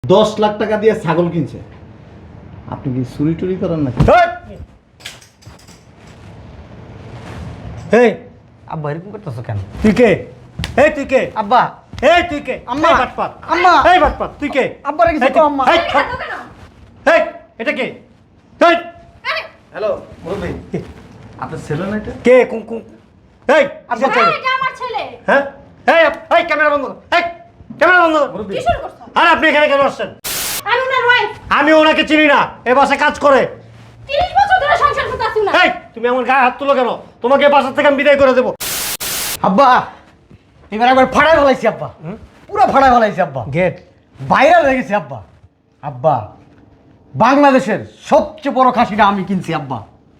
10 লাখ টাকা দিয়ে ছাগল কিনছে। আপনি কি চুরি টুরি করেন নাকি? এই আব্বা এরকম করতেছো কেন? তুই কে? এই তুই কে? আব্বা এই তুই কে? আম্মা। এই বাটপাত। আম্মা। এই বাটপাত তুই কে? আব্বার কিছু এই কও আম্মা। এই থাম। এই এটা কে? এই হ্যালো মুরব্বি, আপনার ছেলে না এটা? কে কোন কোন? এই আব্বা কিসের ছেলে? এটা আমার ছেলে। হ্যাঁ এই এই ক্যামেরা বন্ধ কর। এই ক্যামেরা বন্ধ কর। মুরব্বি, কি শুরু করছো? আর আপনি এখানে কেন আসছেন? আমি ওনার ওয়াইফ। আমি ওনাকে চিনি না, এ বাসায় কাজ করে। 30 বছর ধরে সংসার করতে আছি না। এই তুমি আমার গায়ে হাত তুলো কেন? তোমাকে এই বাসা থেকে আমি বিদায় করে দেবো। আব্বা এবার একবার ফাড়াই ফেলাইছি আব্বা, পুরো ফাড়াই ফেলাইছি আব্বা, গেট ভাইরাল হয়ে গেছে আব্বা। আব্বা বাংলাদেশের সবচেয়ে বড় খাসিটা আমি কিনছি আব্বা।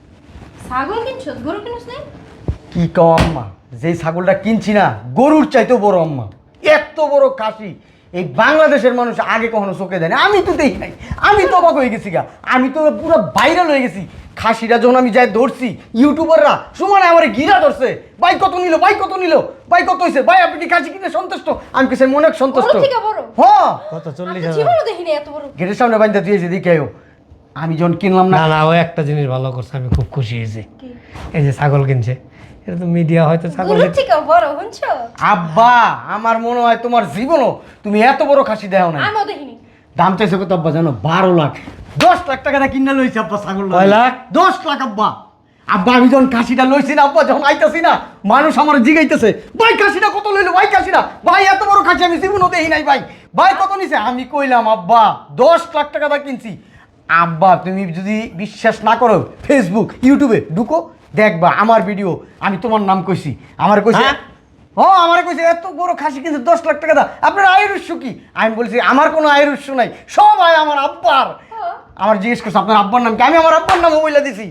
ছাগল কিনছো? গরু কিনছ না? কি কও আম্মা, যেই ছাগলটা কিনছি না গরুর চাইতেও বড় আম্মা। এত বড় খাসি এই বাংলাদেশের মানুষ আগে কখনো চোখে দেয় না। আমি তো দেখি নাই, আমি তো অবাক হয়ে গেছি গা। আমি তো পুরো ভাইরাল হয়ে গেছি। খাসিটা যখন আমি যাই ধরছি, ইউটিউবাররা সমানে আমার ঘিরা ধরছে, ভাই কত নিল, ভাই কত নিল, ভাই কত হয়েছে, ভাই আপনি কি খাসি কিনে সন্তুষ্ট? আমি কিছু মনে সন্তুষ্ট। বড় থেকে বড়? হ্যাঁ কত? আমি 40,000। জীবনে দেখিনি এত বড়। গেটের সামনে বাইন্দা দিয়েছি দেখে আমি যখন কিনলাম না। না না, ও একটা জিনিস ভালো করছে, আমি খুব খুশি হয়েছি। কি? এই যে ছাগল কিনছে, এটা তো মিডিয়া হয়তো ছাগল গরু থেকে বড় হচ্ছে? আব্বা আমার মনে হয় তোমার জীবনও তুমি এত বড় খাসি দেও না। আমিও দেখিনি। দাম চাইছে কত আব্বা জানো? 12 লাখ। 10 লাখ টাকা দিয়ে কিনে লইছে আব্বা ছাগল। কয় লাখ? 10 লাখ আব্বা। আব্বা আমি যখন খাসিটা লইছি না আব্বা, যখন আইতাছি না মানুষ আমার জিগাইতেছে, ভাই খাসিটা কত লইলো, ভাই খাসিটা, ভাই এত বড় খাসি আমি জীবনও দেখি নাই, ভাই ভাই কত নিছে? আমি কইলাম আব্বা 10 লাখ টাকা দিয়ে কিনছি। আব্বা তুমি যদি বিশ্বাস না করো ফেসবুক ইউটিউবে ঢুকো, দেখবা আমার ভিডিও, আমি তোমার নাম কইছি, আমার কইছে হ্যাঁ? ও আমার কইছে এত বড় খাসি কিন্তু 10 লাখ টাকা দা, আপনার আয়ের উৎস কি? আমি বলছি আমার কোনো আয়ের উৎস নাই, সব আয় আমার আব্বার। আমার জিজ্ঞেস করছে আপনার আব্বার নাম কি? আমি আমার আব্বার নাম বইলা দিছি।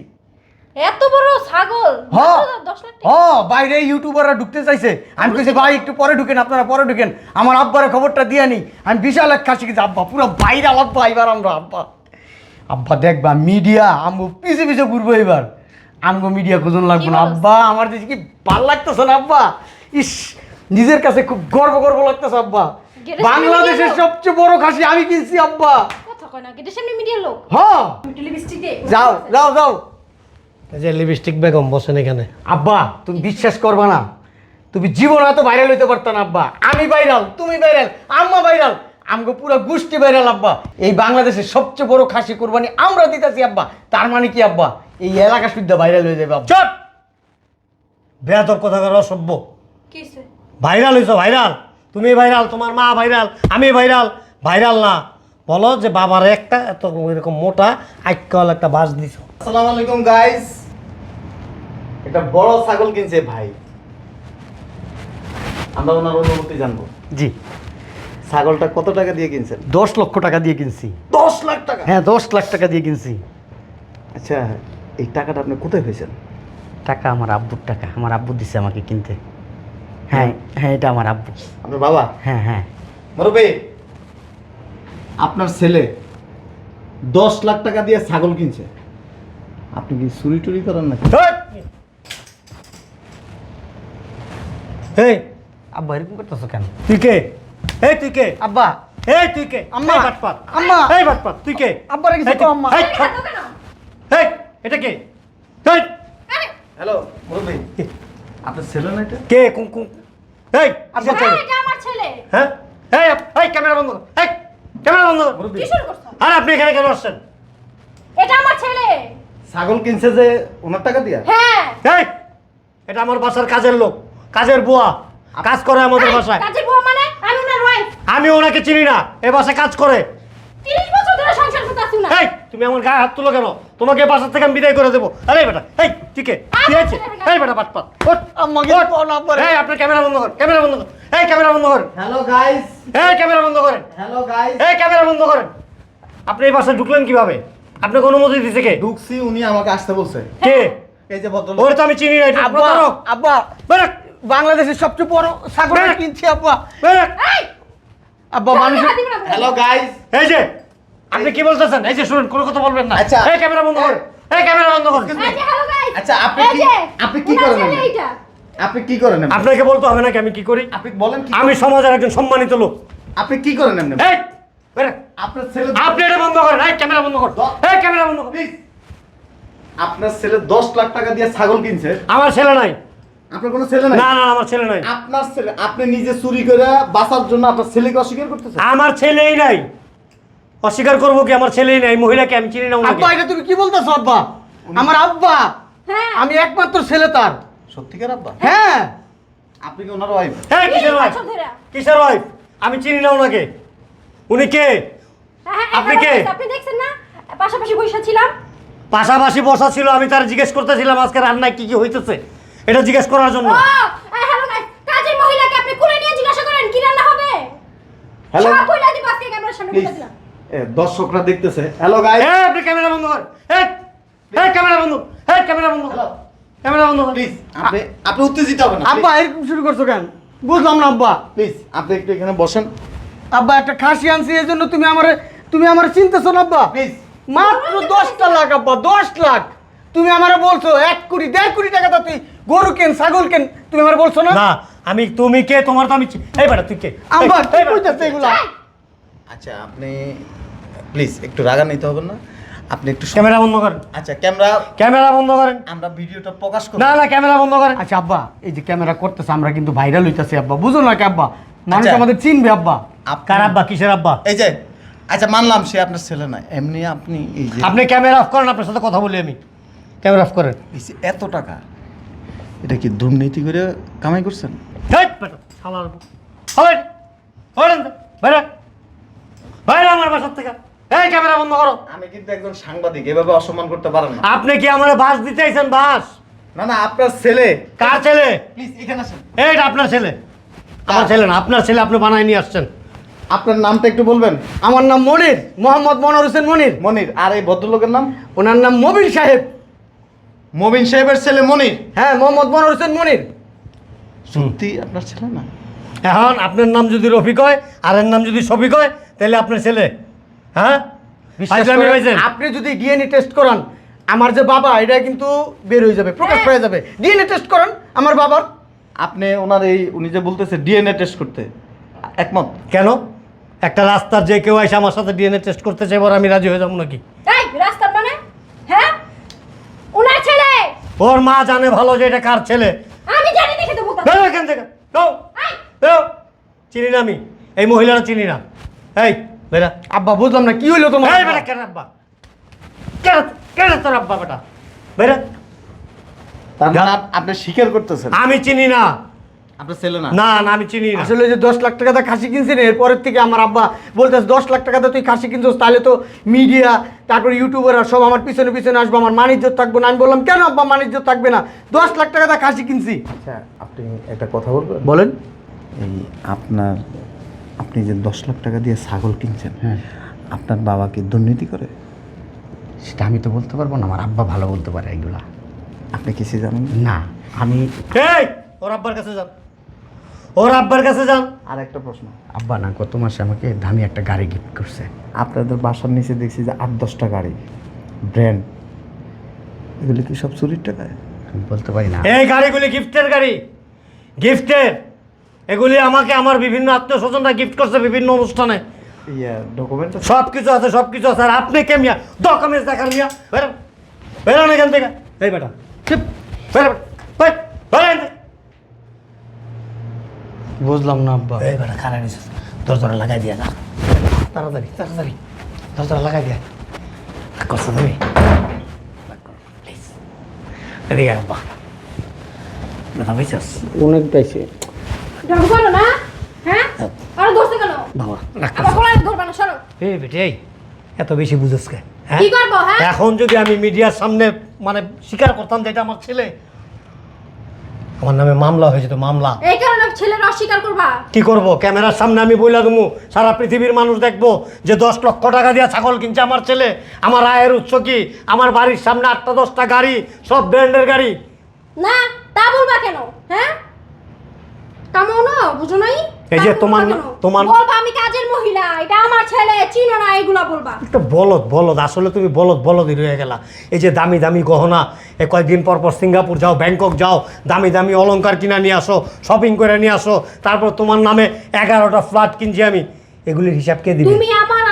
এত বড় ছাগল হ্যাঁ 10 লাখ টাকা? হ্যাঁ বাইরে ইউটিউবাররা ঢুকতে চাইছে, আমি কইছি ভাই একটু পরে ঢুকেন, আপনারা পরে ঢুকেন, আমার আব্বারের খবরটা দিয়ে নি। আমি বিশাল এক খাসি কিনছি আব্বা, পুরো ভাইরাল আব্বা। এবার আমরা আব্বা আব্বা দেখবা মিডিয়া আমগো পিছে পিছে ঘুরবো এবার। আমগো মিডিয়া খুঁজন লাগবে না কি বলছ? আব্বা। আমার দেশে কি ভাল লাগতেছে না আব্বা? ইস নিজের কাছে খুব গর্ব গর্ব লাগতেছে আব্বা। গেটের সামনে বাংলাদেশের media লোক? সবচেয়ে বড় খাসি আমি কিনছি আব্বা। কথা কয় না, গেটের সামনে মিডিয়ার লোক। হ্যাঁ টেলিভিশন দে। যাও যাও যাও এই যে লিপস্টিক বেগম বসেন এখানে। আব্বা তুমি বিশ্বাস করবা না, তুমি জীবন এত ভাইরাল হইতে পারত না আব্বা। আমি ভাইরাল, তুমি ভাইরাল, আম্মা ভাইরাল, আমগো পুরো গোষ্ঠী ভাইরাল আব্বা। এই বাংলাদেশের সবচেয়ে বড় খাসি কুরবানি আমরা দিতেছি আব্বা। তার মানে কি আব্বা এই এলাকা শুদ্ধ ভাইরাল হয়ে যাবে আব্বা। চুপ! বেয়াদব কথা কর, অসভ্য। কিছে? ভাইরাল হইছো, ভাইরাল। তুমি ভাইরাল, তোমার মা ভাইরাল, আমি ভাইরাল। ভাইরাল না, বলো যে বাবার একটা এত এরকম মোটা আইকাল একটা বাস দিছো। আসসালামু আলাইকুম গাইস, একটা বড় ছাগল কিনছে ভাই। আমরা ওনার অনুমতি জানবো। জি ছাগলটা কত টাকা দিয়ে কিনছেন? 10 লক্ষ টাকা দিয়ে কিনছি। 10 লাখ টাকা? হ্যাঁ 10 লাখ টাকা দিয়ে কিনছি। আচ্ছা, এই টাকাটা আপনি কোথায় পেয়েছেন? টাকা আমার আব্বুর টাকা, আমার আব্বু দিছে আমাকে কিনতে। হ্যাঁ হ্যাঁ এটা আমার আব্বু। আপনার বাবা? হ্যাঁ হ্যাঁ মুরব্বি, আপনার ছেলে 10 লাখ টাকা দিয়ে ছাগল কিনছে। আপনি কি চুরি টুরি করেন নাকি? এই আব্বা এরকম করতেছো কেন? তুই কে? এই তুই কে? আব্বা এই তুই কে? আম্মা। এই বাটপাত। আম্মা। এই বাটপাত তুই কে? আব্বার কিছু এই কও আম্মা। এই এত কেন? এই এটা কে? এই হ্যালো মুরব্বি, আপনার ছেলে না এটা? কে কোন কোন? এই আব্বা কিসের ছেলে? এটা আমার ছেলে। হ্যাঁ এই এই ক্যামেরা বন্ধ কর। এই ক্যামেরা বন্ধ কর। মুরব্বি, কি শুরু করছো? আর আপনি এখানে কেন আসছেন? এটা আমার ছেলে। ছাগল কিনছে যে ওনার টাকা দিয়া? হ্যাঁ। এই এটা আমার বাসার কাজের লোক, কাজের বুয়া, কাজ করে আমাদের এই, বাসায়। কাজের বউ মানে? আমি ওনার ওয়াইফ। আমি ওনাকে চিনি না, এ বাসায় কাজ করে। 30 বছর ধরে সংসার করতে আছি না। এই তুমি আমার গায়ে হাত তুলো কেন? তোমাকে বাসা থেকে আমি বিদায় করে দেবো। আরে বেটা এই ঠিক আমি আছে? ছেলের এই বেটা বাটপাত ওঠ। আম্মা কিছু কও না আব্বা। এই আপনার ক্যামেরা বন্ধ কর, ক্যামেরা বন্ধ কর। এই ক্যামেরা বন্ধ করেন, হ্যালো গাইস, এই ক্যামেরা বন্ধ করেন, হ্যালো গাইস। এই ক্যামেরা বন্ধ করেন। আপনি এই বাসায় ঢুকলেন কিভাবে? আপনাকে অনুমতি দিছে কে? ঢুকছি, উনি আমাকে আসতে বলছে। কে? এই যে ভদ্রলোক। ওরে তো আমি চিনি না। এটা আব্বা প্রতারক। আব্বা বেরো, বাংলাদেশের সবচেয়ে বড় ছাগল বেরো। কিনছি আব্বা। বেরো। এই, আব্বা মানুষ হাত দিবি না। হ্যালো গাইস, এই যে আপনি কি বলতেছেন? এই যে শুনুন, কোনো কথা বলবেন না। আচ্ছা। এই ক্যামেরা বন্ধ করেন, এই ক্যামেরা বন্ধ করেন। এই যে হ্যালো গাইস। আচ্ছা, আপনি এই কি- যে, আপনি কি ওনার করেন ছেলে এমনি? এইটা। আপনি কি করেন এমনি? আপনাকে বলতে হবে নাকি আমি কি করি? আপনি বলেন কি আমি সমাজের একজন সম্মানিত লোক। আপনি কি করেন এমনি? এই বেরো। আপনার ছেলে আপনি এটা বন্ধ করেন, এই ক্যামেরা বন্ধ কর, এই ক্যামেরা বন্ধ কর। প্লিজ, আপনার ছেলে 10 লাখ টাকা দিয়ে ছাগল কিনছে, আমার ছেলে নাই। আপনার কোনো ছেলে নাই? না না, আমার ছেলে নাই। আপনার ছেলে, আপনি নিজে চুরি করে বাঁচার জন্য আপনার ছেলেকে অস্বীকার করতেছেন? আমার ছেলেই নাই। অস্বীকার করবো কি? আমার ছেলেই নাই। মহিলাকে আমি চিনি না ওনাকে। আব্বা এটা তুমি কি বলতেছো আব্বা? আমার আব্বা, হ্যাঁ আমি একমাত্র ছেলে তার। সত্যিকার আব্বা? হ্যাঁ আপনি কি ওনার ওয়াইফ? হ্যাঁ, কিসের 30 ওয়াইফ? বছর ধরে। কিসের ওয়াইফ? আমি চিনি না ওনাকে। উনি কে? হ্যাঁ, আপনি এখানে কে? বসে আপনি দেখছেন না পাশাপাশি বসে ছিলাম। পাশাপাশি বসা ছিল, আমি তার জিজ্ঞেস করতেছিলাম আজকে রান্নায় কি কি হইতেছে, এটা জিজ্ঞেস করার জন্য। ও হ্যালো গাইস, কাজের মহিলাকে আপনি কোলে নিয়ে জিজ্ঞাসা করেন কি রান্না হবে। হ্যালো সব কইলা দিব আজকে ক্যামেরার সামনে প্লিজ, বলে দিলাম। দর্শকরা দেখতেছে। হ্যালো গাইস, এই, আপনি ক্যামেরা বন্ধ করেন। এই, এই ক্যামেরা বন্ধ, এই ক্যামেরা বন্ধ কর। ক্যামেরা বন্ধ কর। প্লিজ, আপনি উত্তেজিত হবেন না। আব্বা এরকম শুরু করছো কেন? বুঝলাম না আব্বা। প্লিজ আপনি একটু এখানে বসেন আব্বা একটা খাসি আনছি এই জন্য তুমি আমার চিনতেছো না আব্বা? প্লিজ। মাত্র 10টা লাখ আব্বা, 10 লাখ। তুমি আমারে বলছো 1 কোটি 1.5 কোটি টাকা দাও, তুই গরু কেন ছাগল কেন, তুমি আমারে বলছো না? না, আমি, তুমি কে? তোমার তো আমি এই বেটা, তুই কে? আব্বা এই, কি এই বেটা, কইতাছে এগুলা? আচ্ছা আপনি প্লিজ একটু রাগা নিতে হবে না, আপনি একটু ক্যামেরা বন্ধ করেন। আচ্ছা ক্যামেরা, ক্যামেরা বন্ধ করেন। আমরা ভিডিওটা প্রকাশ করব। না না, ক্যামেরা বন্ধ করেন। আচ্ছা আব্বা, এই যে ক্যামেরা করতেছে আমরা কিন্তু ভাইরাল হইতাছি আব্বা, বুঝো না কি আব্বা? মানুষ আচ্ছা। আমাদের চিনবে আব্বা। কার আব্বা? কিসের আব্বা? এই যে, আচ্ছা মানলাম সে আপনার ছেলে না, এমনি আপনি এই যে আপনি ক্যামেরা অফ করেন, আপনার সাথে কথা বলি আমি। ক্যামেরা অফ করেন। এই যে এত টাকা, এটা কি দুর্নীতি করে কামাই করছেন? হেই বেটা, শালার বউ। হয়, হয় না, বাইরে, বাইরে আমার বাসার থেকে। এই ক্যামেরা বন্ধ করো। আমি কিন্তু একজন সাংবাদিক, এভাবে অসম্মান করতে পারেন না। আপনি কি আমার বাস দিতে আইছেন? বাস? না না, আপনার ছেলে। কার ছেলে? প্লিজ এখানে আসেন। এইটা আপনার ছেলে। আমার ছেলে না, আপনার ছেলে, আপনি বানায় নিয়ে আসছেন। আপনার নামটা একটু বলবেন? আমার নাম মনির, মোহাম্মদ মনোয়ার হোসেন মনির। মনির। আর এই ভদ্রলোকের নাম? ওনার নাম মবিন সাহেব। মবিন সাহেবের ছেলে মনির? হ্যাঁ, মোহাম্মদ মনোয়ার হোসেন মনির। সত্যি আপনার ছেলে না? এখন আপনার নাম যদি রফিক হয় আর এর নাম যদি শফিক হয়, তাহলে আপনার ছেলে? হ্যাঁ, বিশ্বাস ফাইজলামি করেন, হয়েছে? আপনি যদি ডিএনএ টেস্ট করান আমার যে বাবা, এটা কিন্তু বের হয়ে যাবে, প্রকাশ হয়ে যাবে। ডিএনএ টেস্ট করান আমার বাবার। আপনি ওনার এই, উনি যে বলতেছে ডিএনএ টেস্ট করতে, একমত? কেন? একটা রাস্তার যে কেউ এসে আমার সাথে ডিএনএ টেস্ট করতে চাই, এবার আমি রাজি হয়ে যাবো নাকি? এই রাস্তার মানে হ্যাঁ উনার ছেলে। ওর মা জানে ভালো যে এটা কার ছেলে। আমি জানি দেখে তো বলতাম। বেরো এখান থেকে, যাও, বেরো। চিনি না আমি এই মহিলারা, চিনি না। এই বেটা, আব্বা বুঝলাম না কি হইলো তোমার? এই বেটা, কেন আব্বা? কেন, কেন তোর আব্বা? বেটা বেটা, তার মানে আপনি স্বীকার করতেছেন আমি চিনি না। আপনার ছেলে না? না না, আমি চিনি না। আসলে যে 10 লাখ টাকা দিয়ে খাসি কিনছেন, এরপরের থেকে আমার আব্বা বলতেছে 10 লাখ টাকা দিয়ে তুই খাসি কিনছিস, তাহলে তো মিডিয়া, তারপর ইউটিউবাররা সব আমার পিছনে পিছনে আসবে, আমার মানিজ্য থাকবে না। আমি বললাম কেন আব্বা মানিজ্য থাকবে না, 10 লাখ টাকা দিয়ে খাসি কিনছি। আচ্ছা আপনি একটা কথা বলবেন? বলেন। এই আপনি যে 10 লাখ টাকা দিয়ে ছাগল কিনছেন, আপনার বাবা কি দুর্নীতি করে? সেটা আমি তো বলতে পারবো না, আমার আব্বা ভালো বলতে পারে এগুলা। আপনি কিছু জানেন না আমি এই, ওর আব্বার কাছে যান, ওর আব্বার কাছে যান। আর একটা প্রশ্ন, আব্বা না গত মাসে আমাকে দামি একটা গাড়ি গিফট করছে। আপনাদের বাসার নিচে দেখছি যে 8-10টা গাড়ি, ব্র্যান্ড, এগুলি কি সব চুরির টাকায়? আমি বলতে পারি না। এই গাড়িগুলি গিফটের গাড়ি, গিফটের। এগুলি আমাকে আমার বিভিন্ন আত্মীয় স্বজনরা গিফট করছে বিভিন্ন অনুষ্ঠানে। ডকুমেন্ট সব কিছু আছে, সব কিছু আছে। আর আপনি কে মিয়া ডকুমেন্টস দেখার মিয়া? বেরোন, বেরোন এখান থেকে। এই বেটা, চুপ, বেরো, বের, বেরো এখান থেকে। বুঝলাম না আব্বা। এই বেটা, খারাপ নিছিস, দরজাটা লাগাই দিয়া যা, তাড়াতাড়ি তাড়াতাড়ি, দরজাটা লাগাই দিয়া। কষ্ট তুমি প্লিজ, এদিকে আব্বা, ব্যথা পাইছিস? অনেক পাইছে। ঢং করো না হ্যাঁ আর দোস্ত কেন বাবা রাখ আবার কোলায় ধরবা না সরো। এই বেটে, এই এত বেশি বুঝেছ কে? হ্যাঁ? কি করবো হ্যাঁ এখন যদি আমি মিডিয়ার সামনে মানে স্বীকার করতাম যে এটা আমার ছেলে, আমার নামে মামলা হয়ে যেত, মামলা। এই কারণে ছেলের অস্বীকার করবা। কি করব? ক্যামেরার সামনে আমি বইলা দেবো, সারা পৃথিবীর মানুষ দেখবো যে 10 লক্ষ টাকা দিয়ে ছাগল কিনছে আমার ছেলে। আমার আয়ের উৎস কি? আমার বাড়ির সামনে 8টা-10টা গাড়ি, সব ব্র্যান্ডের গাড়ি। না তা বলবা কেন হ্যাঁ কামো না বুঝো নাই। এই যে তা তোমার বলবা না- কেন? তোমার- বলবা আমি কাজের মহিলা, এটা আমার ছেলে, চিনো না, এগুলা বলবা। একটা বলদ বলদ, আসলে তুমি বলদ বলদই রয়ে গেলা। এই যে দামি দামি গহনা, কয়েকদিন পর পর সিঙ্গাপুর যাও, ব্যাংকক যাও, দামি দামি অলংকার কিনা নিয়ে আসো, শপিং করে নিয়ে আসো, তারপর তোমার নামে 11টা ফ্ল্যাট কিনছি আমি, এগুলির হিসাব কে দিবে? তুমি আমার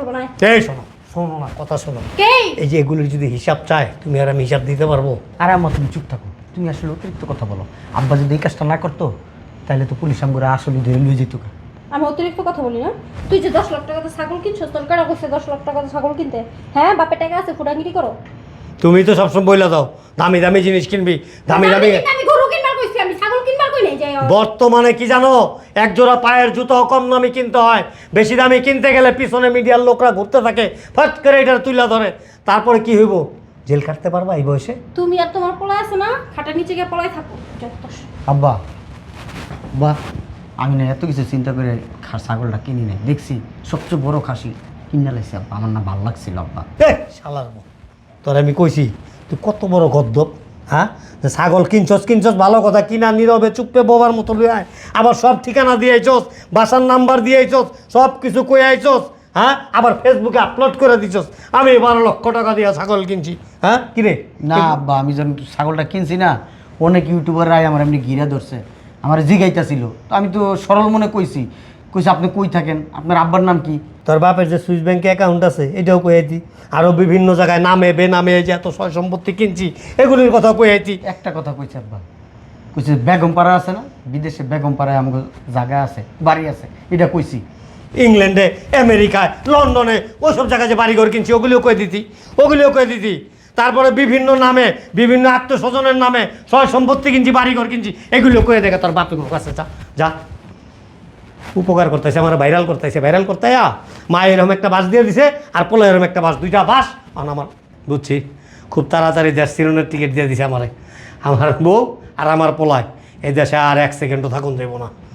করবো না। এই শোনো, শোনো না, কথা শোনো। কে? এই যে এগুলির যদি হিসাব চায়, তুমি আর আমি হিসাব দিতে পারবো? আরে আম্মা তুমি চুপ থাকো, তুমি আসলে অতিরিক্ত কথা বলো। আব্বা যদি এই কাজটা না করতো তাহলে তো পুলিশ আমগুলো আসলে ধরে নিয়ে যেত। আমি অতিরিক্ত কথা বলি না? তুই যে 10 লাখ টাকাতে ছাগল কিনছো, তোর কারা কইছে 10 লাখ টাকাতে ছাগল কিনতে? হ্যাঁ, বাপের টাকা আছে, ফুটাঙ্গিরি করো। তুমি তো সবসময় বইলা দাও দামি দামি জিনিস কিনবি, দামি দামি। আমি গরু কিনবার কইছি, আমি ছাগল কিনবার কই নাই যাই। বর্তমানে কি জানো, এক জোড়া পায়ের জুতো কম দামি কিনতে হয়, বেশি দামি কিনতে গেলে পিছনে মিডিয়ার লোকরা ঘুরতে থাকে, ফট করে এটা তুলে ধরে। তারপরে কি হইব? জেল কাটতে পারবা এই বয়সে? তুমি আর তোমার পোলা আছে না, খাটার নিচে গিয়ে পলাই থাকো যত। আব্বা বাহ, আমি না এত কিছু চিন্তা করে ছাগলটা কিনি নাই, দেখছি সবচেয়ে বড় খাসি কিনে লাইছি আব্বা, আমার না ভালো লাগছিল আব্বা। শালার মো, তোর আমি কইছি তুই কত বড় গদ্দপ, হ্যাঁ? যে ছাগল কিনছস কিনছস ভালো কথা, কিনা নীরবে চুপে বোবার মতো লই আয়, আবার সব ঠিকানা দিয়ে আইছস, বাসার নাম্বার দিয়ে আইছস, সব কিছু কই আইছস, হ্যাঁ? আবার ফেসবুকে আপলোড করে দিছস আমি 12 লক্ষ টাকা দিয়ে ছাগল কিনছি, হ্যাঁ? কিরে না আব্বা, আমি যখন ছাগলটা কিনছি না, অনেক ইউটিউবাররাই আমার এমনি ঘিরা ধরছে, আমার জিগাইতাছিল, তো আমি তো সরল মনে কইছি আপনি কই থাকেন, আপনার আব্বার নাম কি? তোর বাপের যে সুইস ব্যাংকে অ্যাকাউন্ট আছে এটাও কই আইতি, আরও বিভিন্ন জায়গায় নামে বেনামে যে এত সয় সম্পত্তি কিনছি এগুলির কথা কই আইতি। একটা কথা কইছে আব্বা, কইছে বেগমপাড়া আছে না, বিদেশে বেগমপাড়ায় আমাকে জায়গা আছে, বাড়ি আছে, এটা কইছি। ইংল্যান্ডে, আমেরিকায়, লন্ডনে ওসব জায়গায় যে বাড়িঘর কিনছি ওগুলিও কয়ে দিতি। তারপরে বিভিন্ন নামে, বিভিন্ন আত্মস্বজনের নামে সয় সম্পত্তি কিনছি, বাড়িঘর কিনছি, এগুলিও কয়ে দেখে তোর বাপের কাছে যা। উপকার করতেছে, আমার ভাইরাল করতে মা এরকম একটা বাস দিয়ে দিছে, আর পোলা এরকম একটা বাস, দুইটা বাস আমার বুঝছি। খুব তাড়াতাড়ি দেশ চিরনের টিকিট দিয়ে দিছে আমার বউ আর আমার পোলায়, এই দেশে আর 1 সেকেন্ডও থাকুন দেবো না।